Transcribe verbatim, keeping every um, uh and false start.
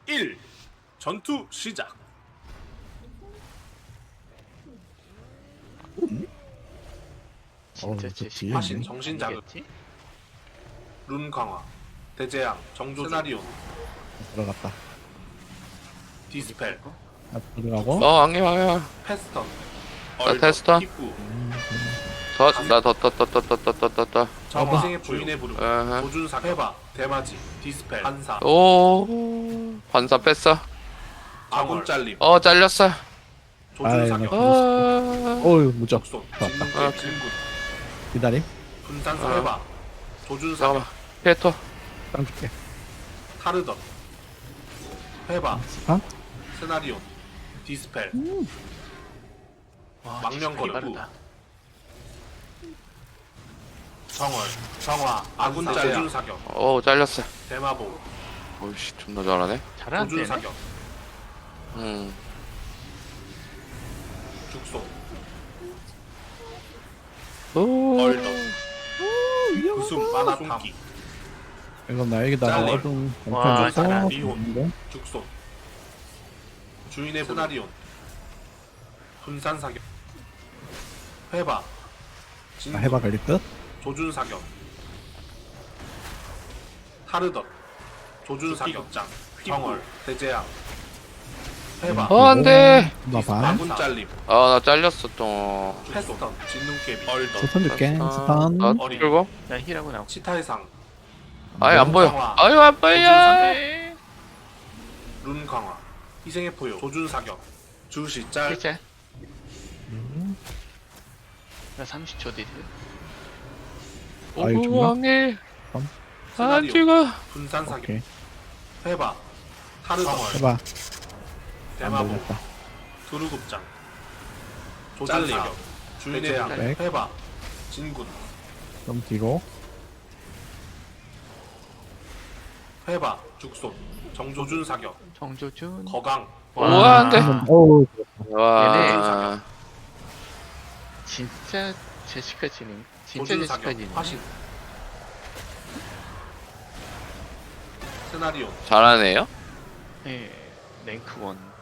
일. 전투 시작. 진짜 어, 제 저 뒤에 화신 있네. 정신 자극. 아니겠지? 룬 강화. 대재앙. 정조 세나리온. 들어갔다. 디스펠. 아, 들어가고. 어 안개 안개 패스턴. 나 테스턴. 입구. 더나더더더더더더더더 정화. 희생의 부인의 부름. 어허. 조준사. 해봐. 대마지. 디스펠. 반사. 오 반사 뺐어. 아군 잘림. 어 잘렸어. 조준사격. 아이, 어 어유 무적. 적손. 좋았다. 진눈깨. 진군. 기다림. 분산사. 어. 해봐. 조준사격. 잠깐만 피에토. 땅 줄게. 타르던. 해봐. 스파. 세나리온. 디스펠. 와, 망령거리. 디스플레이 빠르다. 정월. 정화. 아군 잘림. 사격. 오 잘렸어. 대마보. 오이씨 존나 잘하네. 잘하는 데네. 조준사격. 음. 죽소. 오. 얼더. 구숨. 마나탐. 이건 나에게다가 잘림. 어둠 와, 엄청 잘하. 줘서 미혼. 죽소. 주인의 세나리온. 분산사격. 해봐. 아, 진군. 해봐 걸릴 듯. 조준사격. 타르덧. 조준사격장. 정월. 대재앙. 해봐. 어 안돼. 봐봐. 아군 잘림. 아나 잘렸어 또. 패스턴. 진눈깨비. 얼더. 스턴 줄게. 아, 스턴. 나 어리. 끌고. 나 힐하고 나오고. 치타의 상. 아예 안 보여. 강화. 아유 안 보여. 룬 강화. 희생의 포효. 조준사격. 주시 짤. 실제? 음. 나 삼십 초 뒤에. 아유, 죽나? 오왕해. 안 세나리오. 죽어. 분산사격. 오케이. 해봐. 타르덧. 해봐. 안 대마보. 걸렸다. 두루급장. 조준사격. 주인의 대재앙. 양. 백. 해봐. 진군. 좀 뒤로. 해봐. 죽손. 정조준사격. 정조준. 거강. 우와, 안 돼. 어우. 와. 진짜 제시카지님. 진짜 조준사격. 제시카지님. 화신. 세나리오. 잘하네요. 예. 랭크 원.